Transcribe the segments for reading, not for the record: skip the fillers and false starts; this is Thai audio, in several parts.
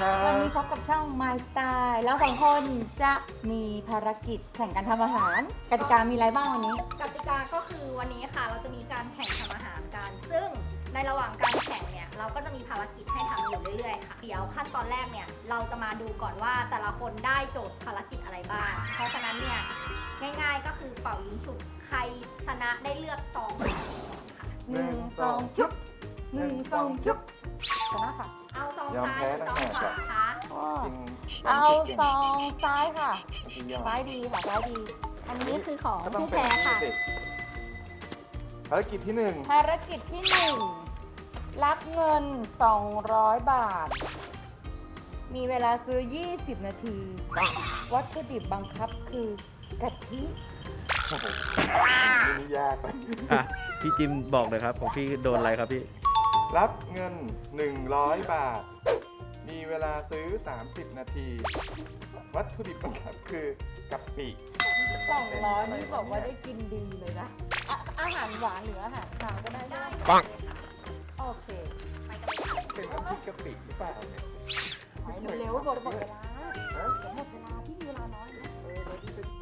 ครับวันนี้พบกับช่อง My Style แล้วสองคนจะมีภารกิจแข่งกันทำอาหารกติกามีอะไรบ้างวันนี้กติกาก็คือวันนี้ค่ะเราจะมีการแข่งทำอาหารกัน ซึ่งในระหว่างการแข่งเนี่ยเราก็จะมีภารกิจให้ทำอยู่เรื่อยๆค่ะเดี๋ยวขั้นตอนแรกเนี่ยเราจะมาดูก่อนว่าแต่ละคนได้โจทย์ภารกิจอะไรบ้าง เพราะฉะนั้นเนี่ยง่ายๆก็คือเป่ายิงฉุบใครชนะได้เลือกซองค่ะ 1 2 ชุบ1 2 ชุบชนะค่ะเอาซองยอมซ้ายแพ้หรือตั้งซองแต่ขวาคะจริงเอาซองซ้ายค่ะสุดยอดซ้ายดีค่ะซ้ายดีอันนี้คือของก็ต้องผู้เป็นแพ้ค่ะสิภารกิจที่หนึ่งภารกิจที่ 1 รับเงิน 200 บาท มีเวลาซื้อ 20 นาที วัตถุดิบบังคับคือกะทิโอ้โหนี่ยากไปอ่ะพี่จิมบอกเลยครับของพี่โดนอะไรครับพี่รับเงิน 100 บาท มีเวลาซื้อ 30 นาที วัตถุดิบบังคับคือกะปิ 200นี่บอกว่าได้กินดีเลยนะอาหารหวานหรืออาหารคาวก็ได้ได้ปังโอเคไปกันเลยค่ะเป็นน้ำพริกกะปิหรือเปล่าเนี่ยไปเร็วๆหมดเวลาฮะเดี๋ยวหมดเวลาพี่มีเวลาน้อยนะแล้วที่เป็น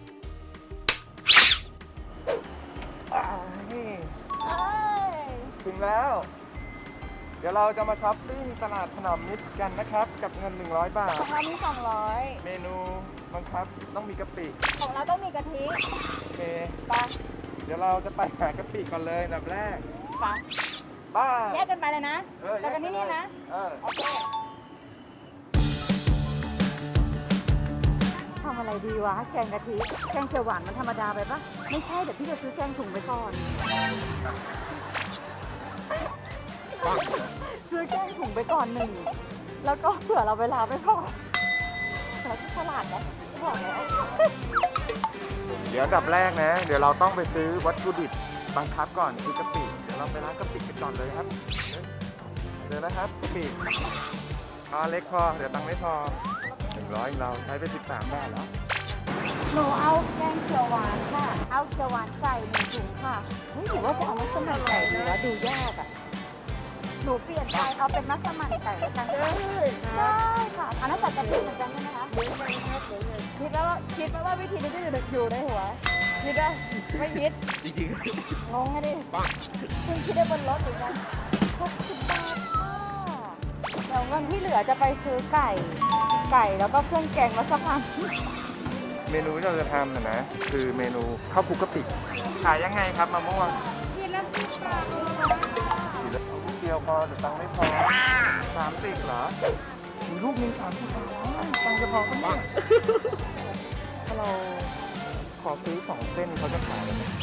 นี่เอ้ยถึงแล้ว เดี๋ยวเราจะมาช้อปปิ้งตลาดถนอมมิตรกันนะครับ กับเงิน 100 บาทของเรามี200 เมนูบังคับต้องมีกะปิของเราต้องมีกะทิโอเคไปเดี๋ยวเราจะไปหากะปิก่อนเลยอันดับแรกไปบ้าแยกกันไปเลยนะเออแต่กันที่นี่นะเออโอเคทำอะไรดีวะ แกงกะทิ แกงเขียวหวานมันธรรมดาไปปะไม่ใช่ เดี๋ยวพี่จะซื้อแกงถุงไปก่อน ซื้อแกงถุงไปก่อน1 แล้วก็เผื่อเราเวลาไม่พอเราที่ตลาดนะบอกแล้วเดี๋ยวอันดับแรกนะ เดี๋ยวเราต้องไปซื้อวัตถุดิบบังคับก่อนคือกะปิ เดี๋ยวเราไปร้านกะปิกันก่อนเลยครับเดี๋ยวนะครับกะปิเอาเล็กพอ เดี๋ยวตังค์ไม่พอ100เราใช้ไป13 บาทแล้วหนูเอาแกงเขียวหวานค่ะ เอาเขียวหวานไก่1 ถุงค่ะเฮ้ยหรือว่าจะเอามัสมั่นไก่ดีวะดูยากอ่ะ หนูเปลี่ยนใจเอาเป็นมัสมั่นไก่แล้วกันได้ค่ะ อันนั้นใส่กะทิเหมือนกันใช่ไหมคะคิดแล้วว่าว่าวิธีนี้จะอยู่ในหัวคิดได้ไม่คิดจริงงงไงดิเพิ่งคิดได้บนรถเหมือนกัน60 บาทค่ะเดี๋ยวเงินที่เหลือจะไปซื้อไก่ แล้วก็เครื่องแกงมัสมั่นเมนูที่เราจะทำนะ คือเมนูข้าวคลุกกะปิ ขายยังไงครับมะม่วงกินแล้วกินปากเลยกินแล้วลูกเดียวพอแต่ตังค์ไม่พอ30เหรอมีลูกนึง30 บาทตังค์จะพอก็ไม่ถ้าเราขอซื้อ2 เส้นเขาจะขายไหม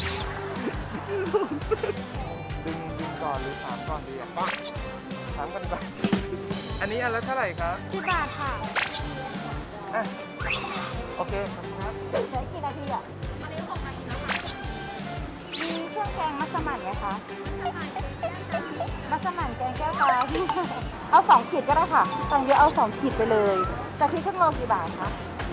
ดึงก่อนหรือถามก่อนดีอ่ะถามกันก่อนอันนี้อันละเท่าไหร่ครับ 10 บาทค่ะอ่ะโอเคขอบคุณครับใช้กี่นาทีอ่ะอันนี้ของใครนะคะมีเครื่องแกงมัสมั่นไหมคะ มัสมั่นแกงแก้วปลา เอา2 ขีดก็ได้ค่ะตังเยอะเอา2 ขีดไปเลยแต่ที่ครึ่งโลกี่บาทคะ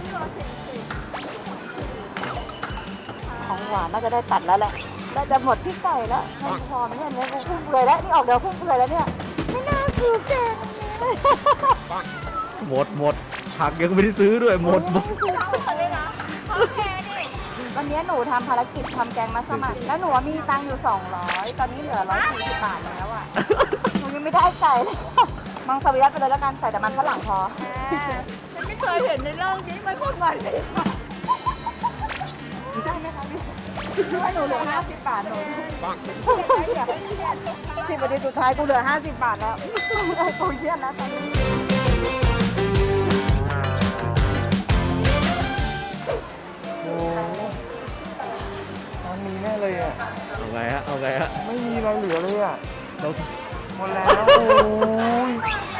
ของหวานน่าจะได้ตัดแล้วแหละน่าจะหมดที่ไก่แล้วไม่พอไหมเนี่ยเนื้อพุ่งเลยแล้วนี่ออกเดี๋ยวพุ่งเลยแล้วเนี่ยไม่น่าซื้อแกงอันนี้เลยหมดผักยังไม่ได้ซื้อด้วยหมดเอาเลยนะโอเคดิวันนี้หนูทำภารกิจทำแกงมัสมั่นแล้วหนูมีตังค์อยู่200ตอนนี้เหลือ140 บาทแล้วอ่ะหนูยังไม่ได้ไก่เลยมังสวิรัตไปเลยแล้วกันใส่แต่มันฝรั่งพอฉันไม่เคยเห็นในโลกนี้มันพูดมาเลยได้ไหมคะพี่ให้หนูเหลือ50 บาทหนู10 นาทีสุดท้ายกูเหลือ50 บาทแล้วกูเยี่ยนแล้วตอนนี้โอ้ตอนนี้แน่เลยอ่ะเอาไงฮะ เอาไงฮะไม่มีอะไรเหลือเลยอ่ะเราหมดแล้วโอ้ย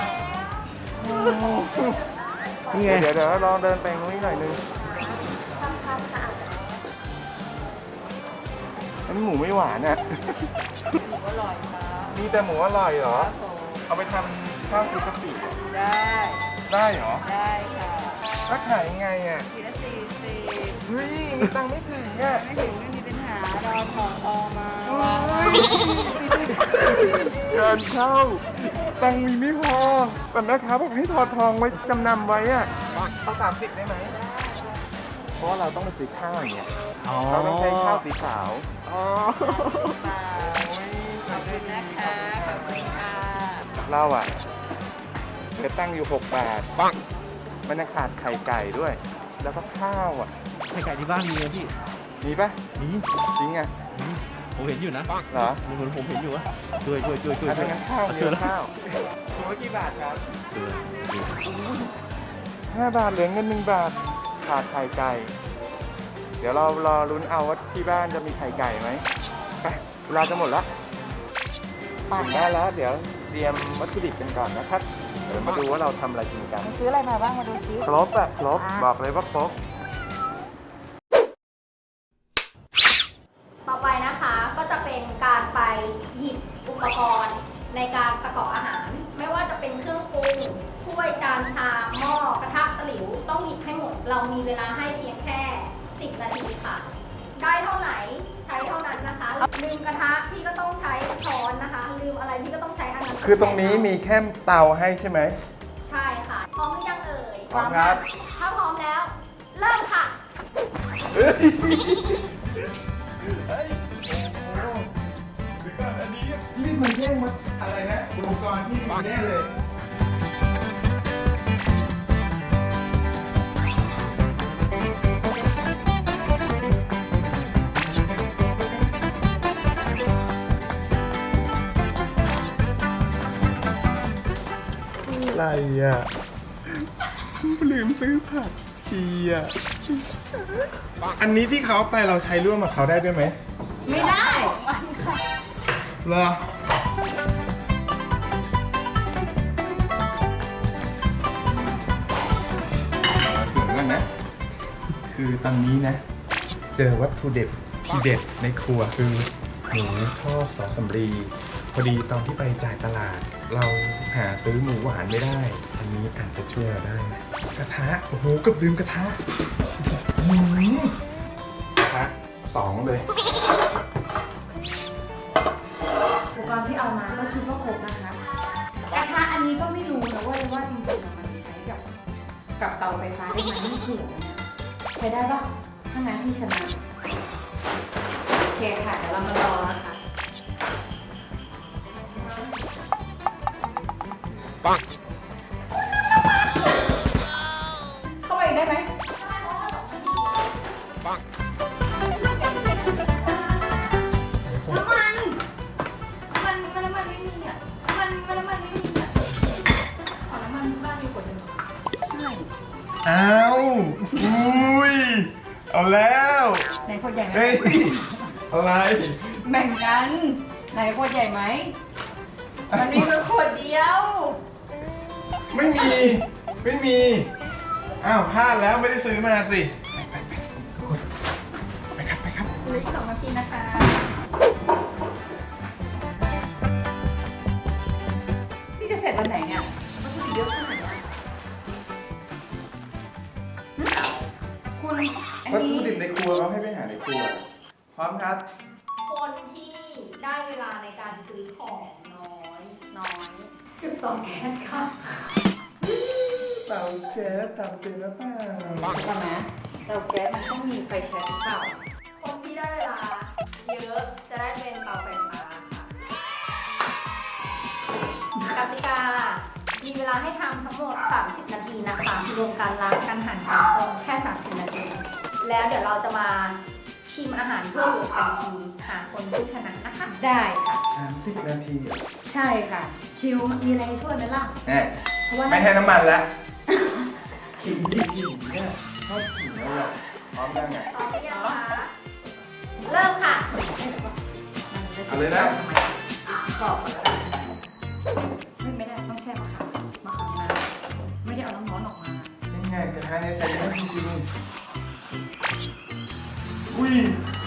นี่ไงเดี๋ยวลองเดินไปตรงนี้หน่อยนึงอันนี้หมูไม่หวานอ่ะอร่อยค่ะมีแต่หมูอร่อยเหรอ เอาไปทำข้าวคลุกกะปิได้ได้เหรอได้ค่ะถ้าขายยังไงอ่ะทีละ40 เฮ้ยมีตังค์ไม่ถึงอ่ะไม่ถึงไม่มีปัญหารอของอมาเกินเข้าตังค์มีไม่พอแต่แม่ค้าบอกให้ถอดทองไว้จำนำไว้อะเอา30ได้ไหมเพราะว่าเราต้องไปซื้อข้าวอย่างเงี้ยอ๋อเราต้องใช้ข้าวสีขาว อ๋อขอบคุณนะคะขอบคุณค่ะเราอ่ะเหลือตั้งอยู่6 บาทมันยังขาดไข่ไก่ด้วย แล้วก็ข้าวอ่ะไข่ไก่ที่บ้านมีไหมพี่มีปะมีจริงอ่ะมีผมเห็นอยู่นะเหรอเหมือนผมเห็นอยู่วะช่วยถ้างั้นข้าวเจเดียอวแล้วข้าวถุงละกี่บาทครับเจอ 5 บาทเหลือเงิน1 บาท ขาดไข่ไก่ เดี๋ยวเรารอลุ้นเอาว่าที่บ้านจะมีไข่ไก่ไหมไปเวลาจะหมดแล้วปั่นได้แล้ว เดี๋ยวเตรียมวัตถุดิบกันก่อนนะครับ เดี๋ยวมาดูว่าเราทำอะไรกินกันซื้ออะไรมาบ้างมาดูซิครบอะครบ บอกเลยว่าครบต่อไปนะคะก็จะเป็นการไปหยิบอุปกรณ์ในการประกอบอาหาร ไม่ว่าจะเป็นเครื่องปรุงถ้วยจานชามหม้อกระทะตะหลิวต้องหยิบให้หมด เรามีเวลาให้เพียงแค่10 นาทีค่ะ ได้เท่าไหนใช้เท่านั้นนะคะลืมกระทะพี่ก็ต้องใช้ช้อนนะคะ ลืมอะไรพี่ก็ต้องใช้อันนั้นคือตรงนี้มีแค่เตาให้ใช่ไหมใช่ค่ะพร้อมหรือยังเอ่ยพร้อมครับถ้าพร้อมแล้ว เริ่มค่ะเฮ้ยเฮ้ยโอ้โหเดี๋ยวก่อนอันนี้รีบมาแย่งมาอะไรนะอุปกรณ์ที่มีแน่เลย อะไรอ่ะ ลืมซื้อผักชีอ่ะ อันนี้ที่เขาเอาไปเราใช้ร่วมกับเขาได้ด้วยไหมไม่ได้เหรอถึงแล้วนะ คือตอนนี้นะ เจอวัตถุเด็ดที่เด็ดในครัวคือหมูทอดซอสสำลีพอดีตอนที่ไปจ่ายตลาด เราหาซื้อหมูหวานไม่ได้ อันนี้อาจจะช่วยเราได้นะกระทะ โอ้โหเกับลืมกระทะกระทะ2เลยอุปกรณ์ที่เอามาก็คิดว่าครบนะคะกระทะอันนี้ก็ไม่รู้นะว่าจริงๆมันใช้กับเตาไฟฟ้าได้ไหมไม่เผื่อนะใช้ได้ปะถ้างั้นที่ชนะโอเคค่ะเดี๋ยวเรามารอนะคะเข้าไปอีกได้ไหม น้ำมันไม่มีอ่ะ น้ำมันไม่มีอ่ะ ขอน้ำมันบ้านมีขวดหนึงใช่อ้าวอุ้ย เอาแล้วไหนขวดใหญ่ไหมเฮ้ย อะไรแบ่งกัน ไหนขวดใหญ่ไหม มันมีแค่ขวดเดียวไม่มี ไม่มี อ้าวพลาดแล้วไม่ได้ซื้อมาสิ ไปครับ ไปครับเหลืออีก2 นาทีนะคะ พี่จะเสร็จวันไหนเนี่ยมันคือเยอะขนาดนี้คุณอันวัตนี้ถุดิบในครัวเขาให้ไปหาในครัว พร้อมครับคนที่ได้เวลาในการซื้อของน้อยจุดเตาแก๊สค่ะเตาแก๊สเตาเป็นหรือเปล่าใช่ไหมเตาแก๊สมันต้องมีไฟแช็กหรือเปล่าคนที่ได้เวลาเยอะจะได้เป็นเตาไฟฟ้าค่ะกติกา มีเวลาให้ทำทั้งหมด 30 นาทีนะคะรวมการล้างการหั่นการต้มแค่ 30 นาที แล้วเดี๋ยวเราจะมาชิมอาหารเพื่อโหวตกันทีหาคนผู้ชนะนะคะได้ค่ะ 30 นาทีใช่ค่ะ ชิลมีอะไรช่วยไหมล่ะแน่เพราะว่าไม่ให้น้ำมันแล้วขิงดิขิงเนี่ยชอบขิงแล้วอ่ะพร้อมยังไงพร้อมหรือยังคะเริ่มค่ะเอาเลยนะกรอบไม่ได้ต้องแช่มะขามมาไม่ได้เอาน้ำร้อนออกมายังไงกระทะเนี่ยใช้ได้จริงๆอุ้ย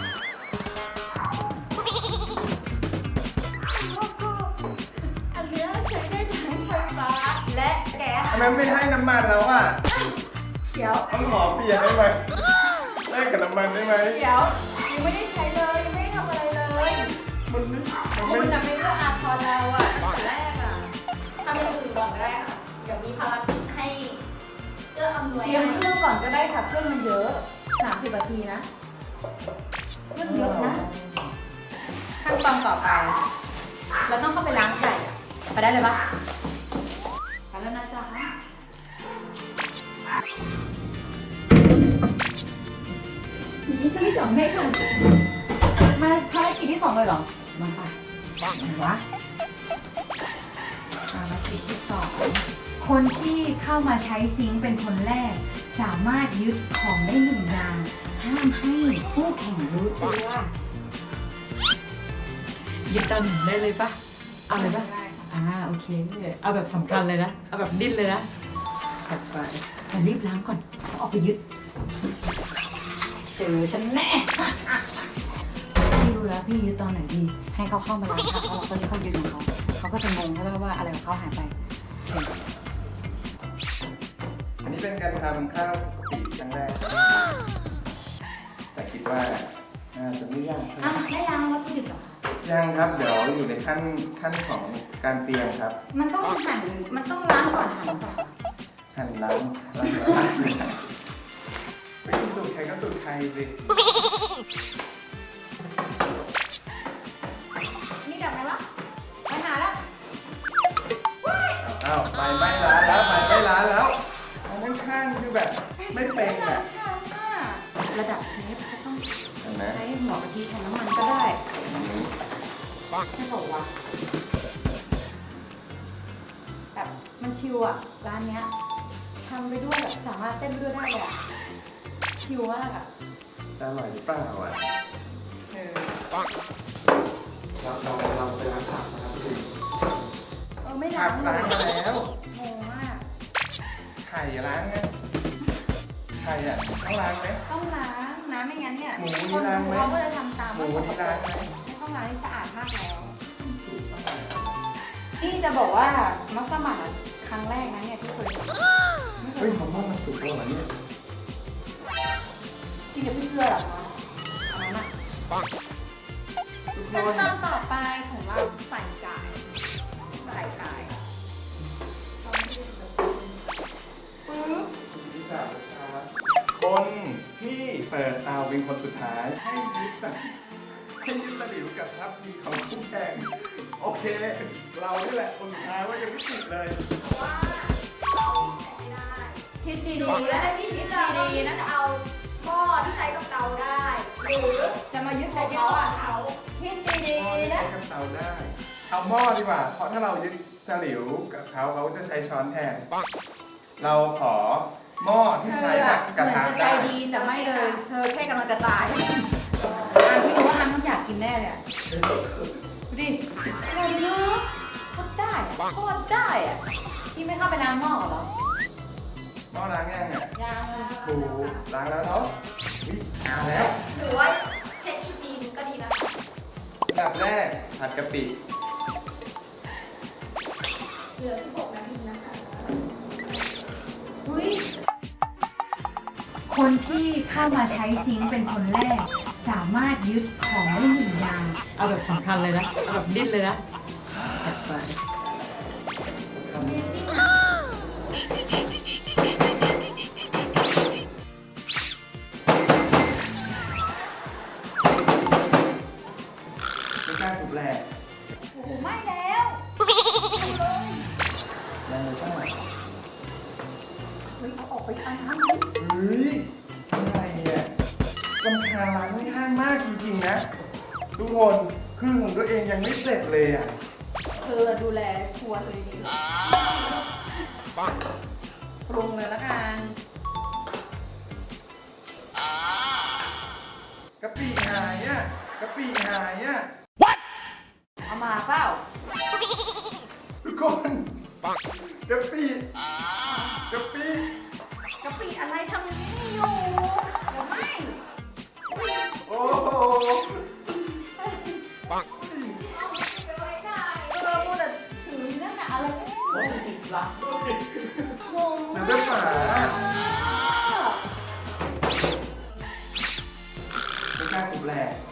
อันเนี้ยใช้ได้ทั้งไฟฟ้าและแก๊สทำไมไม่ให้น้ำมันแล้วอ่ะเดี๋ยวต้องขอเปลี่ยนได้ไหมแลกกับน้ำมันได้ไหมเดี๋ยวยังไม่ได้ใช้เลยยังไม่ได้ทำอะไรเลยมันไม่คุณน่ะไม่เลือกอาทรเราอ่ะแรกอ่ะทำอย่างอื่นก่อนก็ได้ค่ะ เดี๋ยวมีภารกิจให้เอื้ออำนวยเตรียมเครื่องก่อนก็ได้ค่ะเครื่องมันเยอะ30 นาทีนะเครื่องเยอะนะขั้นตอนต่อไป เราต้องเข้าไปล้างไก่อะไปได้เลยปะไปแล้วนะจ๊ะนี่ฉันไม่สอนให้ค่ะมาภารกิจที่ 2เลยเหรอมาค่ะไหนวะภารกิจที่ 2คนที่เข้ามาใช้ซิงค์เป็นคนแรก สามารถยึดของได้1 อย่างห้ามให้ผู้แข่งรู้ตัวยึดตามหนึ่งได้เลยปะเอาเลยปะโอเค เอาแบบสำคัญเลยนะ เอาแบบดิ้นเลยนะจัดไปแต่รีบล้างก่อนเขาออกไปยึดเจอฉันแน่พี่รู้แล้วพี่ยึดตอนไหนดี ให้เขาเข้ามาล้างค่ะเพราะเราตอนนี้เขายึดของเขาเขาก็จะงงใช่ไหมว่าอะไรของเขาหายไปโอเคอันนี้เป็นการทำข้าวกะปิครั้งแรก แต่คิดว่าน่าจะไม่ยากเท่าไหร่อ้าวไม่ล้างวัตถุดิบเหรอคะยังครับ เดี๋ยวอยู่ในขั้นของการเตรียมครับมันต้องหั่นมันต้องล้างก่อนหั่นหรือเปล่าคะหั่นล้างไม่มีสูตรใครก็สูตรใครสินี่ดับไหมวะไปหาแล้วอ้าวไปไม่ร้านแล้วไปไม่ร้านแล้วอันข้างๆคือแบบไม่เป็นอ่ะระดับเชฟก็ต้องเห็นไหมใช้หัวกะทิแทนน้ำมันก็ได้ใช่บอกว่าแบบมันชิวอะร้านเนี้ยทำไปด้วยแบบสามารถเต้นไปด้วยได้เลยอะชิวมากอะจะอร่อยหรือเปล่าอ่ะเออเราไปร้านผักนะครับพี่ไม่ผัล้าก งล้างมาแล้วงงมากไข่ล้างไงไข่อ่ะต้องล้างไหมต้องล้างนะไม่งั้นเนี่ยหมูนี่คนล้างดูไหมเขาก็จะทำตามหมูนี่ล้างไหมไม่ต้องล้างที่สะอาดมากแล้ว นี่จะบอกว่ามัสมั่นอะครั้งแรกนะเนี่ยที่เคยไม่เคเฮ้ยยผมว่ามันสุกแล้วเหรอเนี่ยกินกับพี่เกลือเหรอคะอันนั้นอะทุกคขั้นนตอนต่อไปของเราใส่ไก่ปึ๊บที่สามนะครับคนที่เปิดเตาเป็นคนสุดท้ายให้ยึดตะหลิวกับทัพพีของคู่แข่งโอเค เรานี่แหละคนสุดท้ายว่ายังไม่ติดเลยว่าเราแข่งไม่ได้คิดหดีรือๆแล้แล้ว วพี่ยึดเราพี่จะเอาหม้อที่ใช้กับเตาได้ หรือจะมายึดขขออง งเขาเขาอ่ะอะเขาคิดหม้อดีที่ๆใช้นะกับเตาได้ เอาหม้อดีกว่า เพราะถ้าเรายึดตะหลิวกับเขาจะใช้ช้อนแทน เราขอหม้อที่เธใช้อกัอะบเหกระมือนทะจะใจได้ดีแต่ไม่เลย เธอแค่กำลังจะตายที่รู้ว่าอันต้องอยากกินแน่เลยอะดูดิอร่อยเนาะโคตรได้อะโคตรได้อะที่ไม่เข้าไปล้างหม้อเหรอหม้อล้างยังอ่ะยังปูล้างแล้วเนาะอุ๊ยมาแล้วหรือว่าเช็คอีกทีนึงก็ดีนะคะอันดับแรกผัดกะปิเหลือ16 นาทีนะคะอุ้ยคนที่เข้ามาใช้ซิงค์เป็นคนแรก สามารถยึดของได้1 อย่าง เอาแบบสำคัญเลยนะ เอาแบบดิ้นเลยนะจัดไปไม่กล้าถูกแหลกโอ้โหไม่แล้วแรงเลยใช่ไหมเฮ้ยเอาออกไปอันนั้นเฮ้ยอะไรเนี่ยกำคาญร้านข้างๆมากจริงๆนะ ทุกคนครึ่งของตัวเองยังไม่เสร็จเลยอ่ะเธอดูแลครัวเธอดีปรุงเลยละกันกะปิหายอ่ะกะปิหายอ่ะเอามาเปล่าทุกคนกะปิกะปิกะปิอะไรทำนี่อยู่เดี๋ยวไม่โอ้โหพูดแต่ถือนั่นน่ะอะไรก็ไม่รู้งงเหมือนมาเป็นฝาไม่กล้าถูกแหลก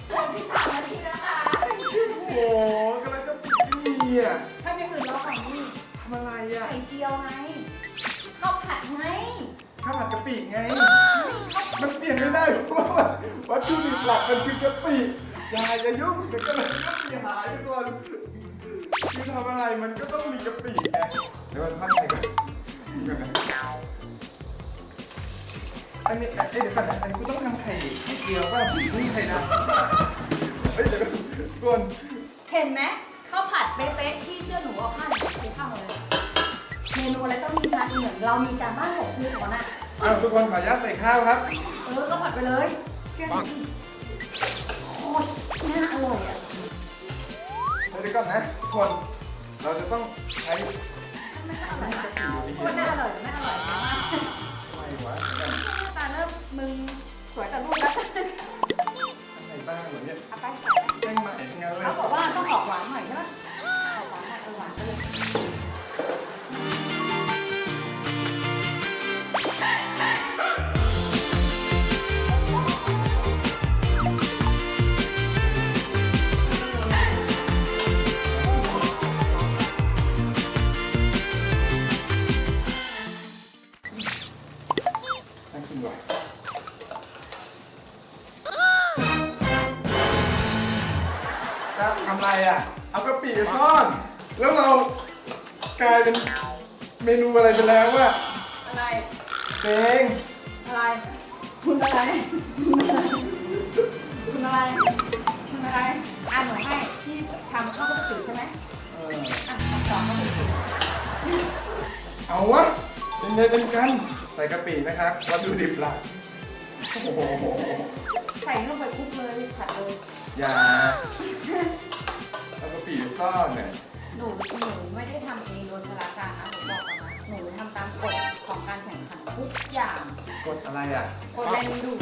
13 นาทีนะคะโอ้โหกำลังจะปิดที่นี่อ่ะถ้าเป็นอื่นเราของนี่ข่เจียวไงข้าวผัดไงข้าวผัดกะปิไง มันเปลี่ยนไม่ได้เพราะว่าวัตถุดิบหลักมันคือกะปิอย่ายุ่งเดี๋ยวกะปิหายทุกคนคือทำอะไรมันก็ต้องมีกะปิไงเดี๋ยวมันพักไปก่อนอันนี้เดี๋ยวก่อนนะอันนี้กูต้องทำไข่เจียวป่ะนี่ไข่ดาวเฮ้ยเดี๋ยวก่อนเห็นไหมข้าวผัดเป๊ะๆที่เชื่อหนูเอาข้าวหนูซื้อข้าวมาเลยเมนูอะไรต้องมีการเหมือนเรามีการบ้าน6คืนก่อนน่ะทุกคนขออนุญาตใส่ข้าวครับข้าวผัดไปเลยเชื่อหนูโคตรน่าอร่อยอ่ะเดี๋ยวก่อนนะทุกคนเราจะต้องใช้ไม่อร่อยโคตรน่าอร่อยไม่อร่อยมากอะไรวะตาเริ่มมึงสวยแต่รูปแล้วอะไรบ้างเหรอเนี่ยเอาไปแจ้งใหม่ทั้งนั้นเลยเขาบอกว่าต้องออกหวานหน่อยใช่ไหมออกหวานหน่อยหวานไปเลยน่ากินว่ะครับทำไรอ่ะ เอากะปิไปซ่อน แล้วเรากลายเป็นเมนูอะไรไปแล้วว่ะอะไรเต็งอะไรคุณอะไรคุณอะไรคุณอะไรอ่านหนูให้ที่ทำข้าวผัดกะปิใช่ไหมอ่ะทำต่อข้าวผัดกะปิเอาวะเป็นไงเป็นกัน ใส่กะปินะครับวัตถุดิบหลักโอ้โหใส่ลงไปคลุกเลยผัดเลยอย่าเอากะปิไปซ่อนเนี่ยหนูไม่ได้ทำเองโดยพลาการนะหนูบอกก่อนนะหนูทำตามกฎของการแข่งขันทุกอย่างกดอะไรอ่ะกฎแรงดึงดูด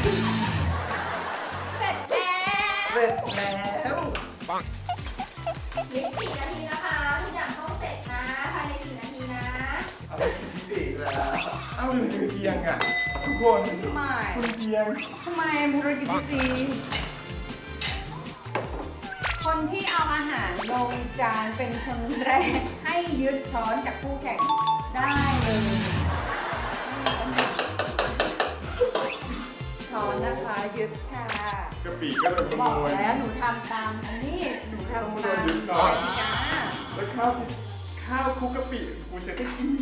เสร็จแล้วเสร็จแล้วเหลืออีก4 นาทีนะคะทุกอย่างต้องเสร็จนะภายใน4 นาทีนะเอาไปกินปีกแล้วเอาหนึ่งเคียงอ่ะทุกคนทำไมคุณเคียงทำไมภารกิจที่สี่คนที่เอาอาหารลงจานเป็นคนแรกให้ยึดช้อนจากคู่แข่งได้เลยช้อนนะคะยึดค่ะกะปิก็เลยขบอโมกยแล้วหนูทำตามอันนี้หนูทำตามยึดก่อนจ้าแล้วข้าวคลุกกะปิกูจะได้กิน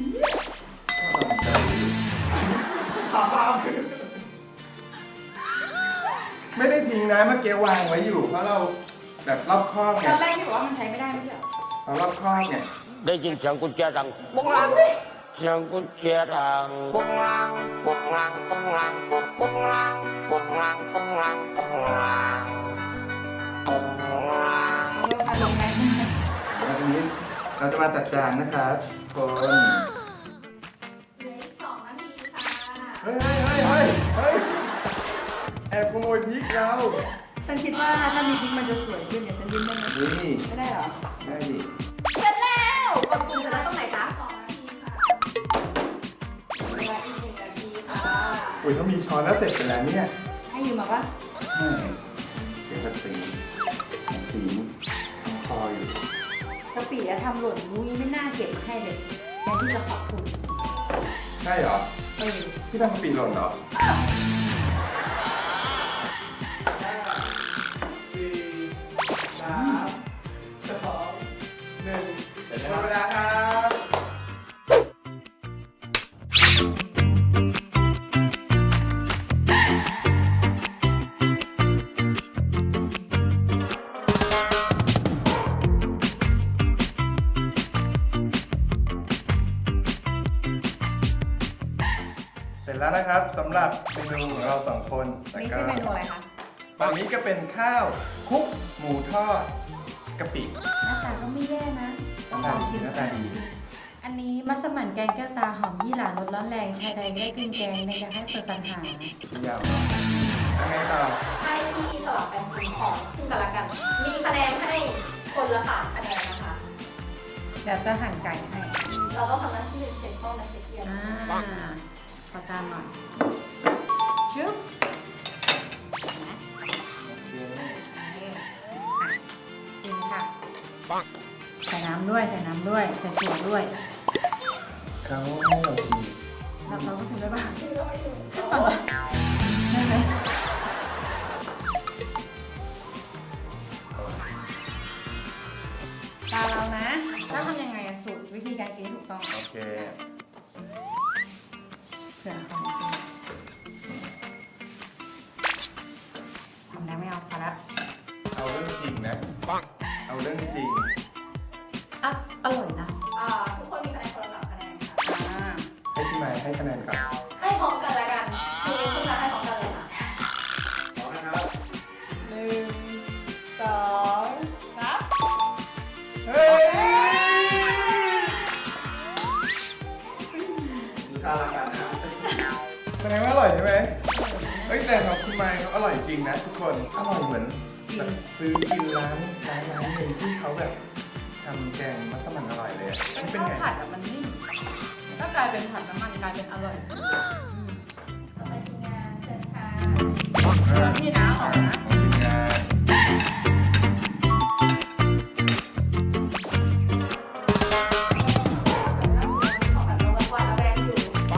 ไม่ได้ทิ้งนะเมื่อกี้วางไว้อยู่ เพราะเราแบบรอบคอบไงตอนแรกถือว่ามันใช้ไม่ได้ไม่ใช่เหรอเรารอบคอบไงได้ยินเสียงกุญแจดังปุ้งลังเสียงกุญแจดังปุ้งลังปุ้งลังปุ้งลังปุ้งลังปุ้งลังปุ้งลังปุ้งลังปุ้งลังเอาเริ่มมาลงไหมแล้วทีนี้เราจะมาจัดจานนะครับคนเหลืออีก2 นาทีค่ะเฮ้ยแอบขโมยพริกเราฉันคิดว่าถ้ามีพริกมันจะสวยขึ้นเนี่ยฉันยิ้มได้ไหมนี่ไม่ได้เหรอได้ดิเสร็จแล้วกดปุ่มเสร็จแล้วตรงไหนจ๊ะ2 นาทีค่ะเวลาอีก1 นาทีค่ะอุ้ยถ้ามีช้อนแล้วเสร็จไปแล้วเนี่ยให้อยู่มาปะเดี๋ยวจะสีคออยู่กะปิอะทำหล่นนุ้ยไม่น่าเก็บมาให้เลยแทนที่จะขอบคุณใช่เหรอเออพี่ทำกะปิหล่นเหรอ4 3 2 1หมดเวลาครับ เสร็จแล้วนะครับสำหรับเมนูของเราสองคนนี่ชื่อเมนูอะไรคะตอนนี้ก็เป็นข้าวคลุกหมูทอดกะปิหน้าตาก็ไม่แย่นะต้องลองชิมหน้าตาดีอันนี้มัสมั่นแกงแก้วตาหอมยี่หร่ารสร้อนแรงชายใดไม่ได้กินแกงในอยากให้เปิดปัญหายาวเนาะยังไงต่อให้ที่สลับกันชิมของซึ่งกันและกัน มีคะแนนให้คนละ3 คะแนนนะคะเดี๋ยวจะหั่นไก่ให้เราต้องทำหน้าที่เช็คห้องและเช็คเกียร์ขอจานหน่อยชึบเห็นไหมชิมค่ะ ใส่น้ำด้วย ใส่ถั่วด้วยเขาให้เราชิมเราก็ถึงได้ป่ะได้ไหมตาเรานะแล้วทำยังไงอะสูตรวิธีการกินที่ถูกต้องโอเคเผื่อคนทำแล้วไม่เอาพอแล้วเอาเรื่องจริงนะเอาเรื่องจริงอ่ะอร่อยนะทุกคนมีคะแนนคนละ3คะแนนค่ะให้พี่ไม้ให้คะแนนครับให้พร้อมกันแล้วกันคือคุณจะให้พร้อมกันเลยค่ะพร้อมนะครับ 1 2 ครับเฮ้ยดูท่าละกันนะแสดงว่าอร่อยใช่ไหมเฮ้ยแต่ของคุณไม้เขาอร่อยจริงนะทุกคนอร่อยเหมือนแบบซื้อกินร้านหนึ่งที่เขาแบบทำแกงมัสมั่นอร่อยเลยอะเป็นเป็นข้าวไงผัดอะมันนิ่มก็กลายเป็นผัดน้ำมันกลายเป็นอร่อยต่อไปทีมงานเชิญค่ะแล้วพี่น้ำออกนะของทีมงานขอแบบระแวงระแวงอยู่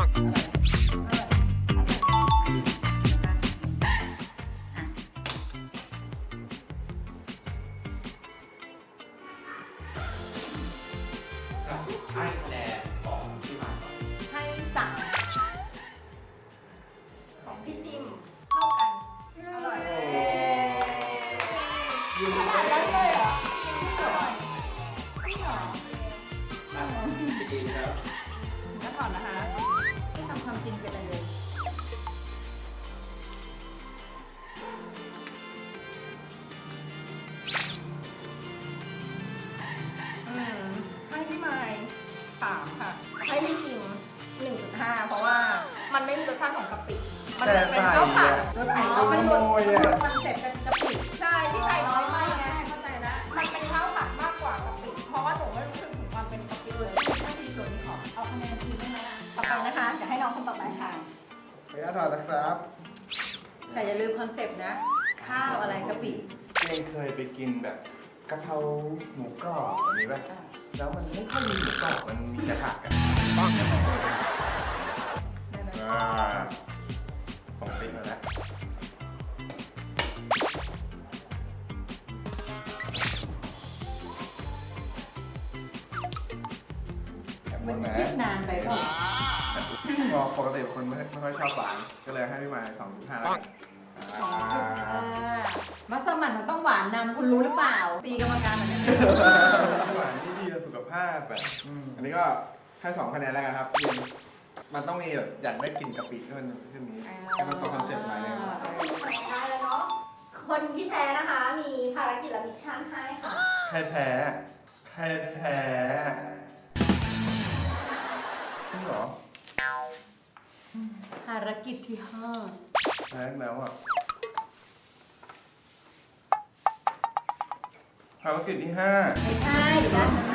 ให้คะแนนของพี่มาก่อนให้สั่งของพี่จิมเท่ากันอร่อยขนาดนั้นเลยเหรออร่อยจริงเหรอจริงครับก็ถอนนะคะไม่ทำความจริงไปเลยให้พี่ไมค์3 ค่ะ ให้พี่จิม1.5 เพราะว่ามันไม่มีรสชาติของกะปิมันแต่จะเป็นใส่ข้าวผัดอะก็อ๋ติดอมันหลุดโมยมันหลุอะดคอนเซ็ปต์เป็นกะปิใช่ที่ใส่น้อยมากไงเข้าใจแล้วมันเป็นข้าวผัดมากกว่ากะปิเพราะว่าหนูไม่รู้สึกถึงความเป็นกะปิเลยถ้าทีส่วนนี้ขอเอาคะแนนทีได้ไหมล่ะต่อไปนะคะเดี๋ยวให้น้องคนต่อไปค่ะขออนุญาตถอดนะครับแต่อย่าลืมคอนเซปต์นะ ข้าวอะไรกะปิเองเคยไปกินแบบกะเพราหมูกรอบแบบนี้ป่ะแล้วมันไม่ค่อยมีหมูกรอบมันมีแต่ผักอะป้องกันหน่อยได้ไหมของติ๊กมาแล้วแบบมันนี้คิดนะนานไปเปล่าพอปกติคนไม่ค่อยชอบหวานก็เลยให้พี่มา2.5แล้วกันมัสมั่นมันต้องหวานนำคุณรู้หรือเปล่า ตีกรรมการเหมือนกันหวานที่ดีต่อสุขภาพแบบอันนี้ก็ให้2 คะแนนแล้วกันครับพี่มันต้องมีแบบอยากได้กลิ่นกะปิที่มันขึ้นนี้ให้มันตรงคอนเซ็ปต์หน่อยนึงได้แล้วเนาะคนที่แพ้นะคะ มีภารกิจและมิชชั่นให้ค่ะใครแพ้จริงเหรอภารกิจที่แพ้แล้วอ่ะภารกิจที่ 5 ไม่ใช่นะ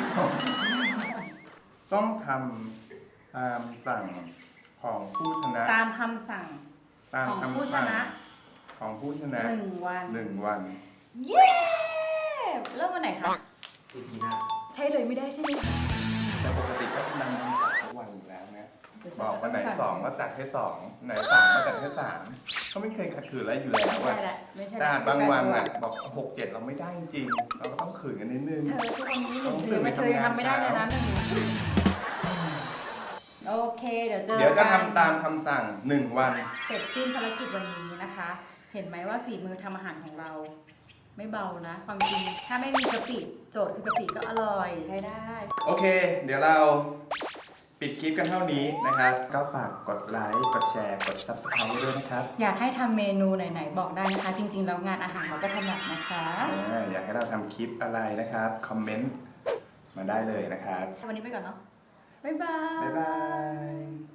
5 ต้องทำตามสั่งของผู้ชนะตามคำสั่งตามของผู้คำชสั่งนะของผู้ชนะ 1 วัน 1 วันเย้เริ่มวันไหนคะอีพีหน้าใช่เลยไม่ได้ใช่ไหมคะแต่ปกติก็นำจัดทุกวันอยู่แล้วนะบอกวันไหน2ก็จัดให้2ไหน3ก็จัดให้3เขาไม่เคยขัดขืนอะไรอยู่แล้วไม่อะใช่แหละไม่ใช่แต่บางวันอ่ะบอก6 7เราไม่ได้จริงๆเราก็ต้องขืนกันนิดนึงเธอทุกวันนี้1 เดือนไม่เคยทำไม่ได้เลยนะโอเค เดี๋ยวเจอเดี๋ยวจะกันทำตามคำสั่ง1 วันเสร็จสิ้นภารกิจวันนี้นะคะ เห็นไหมว่าฝีมือทำอาหารของเรา ไม่เบานะ ความจริงถ้าไม่มีกะปิโจทย์คือกะปิก็อร่อยใช้ได้โอเค เดี๋ยวเราปิดคลิปกันเท่านี้นะครับ ก็ฝากกดไลค์ กดแชร์ กด Subscribe ด้วยนะครับอยากให้ทำเมนูไหนๆบอกได้นะคะ จริงๆแล้วงานอาหารเราก็ถนัดนะคะอยากให้เราทำคลิปอะไรนะครับ คอมเมนต์มาได้เลยนะครับวันนี้ไปก่อนเนาะ บ๊ายบายบ๊ายบาย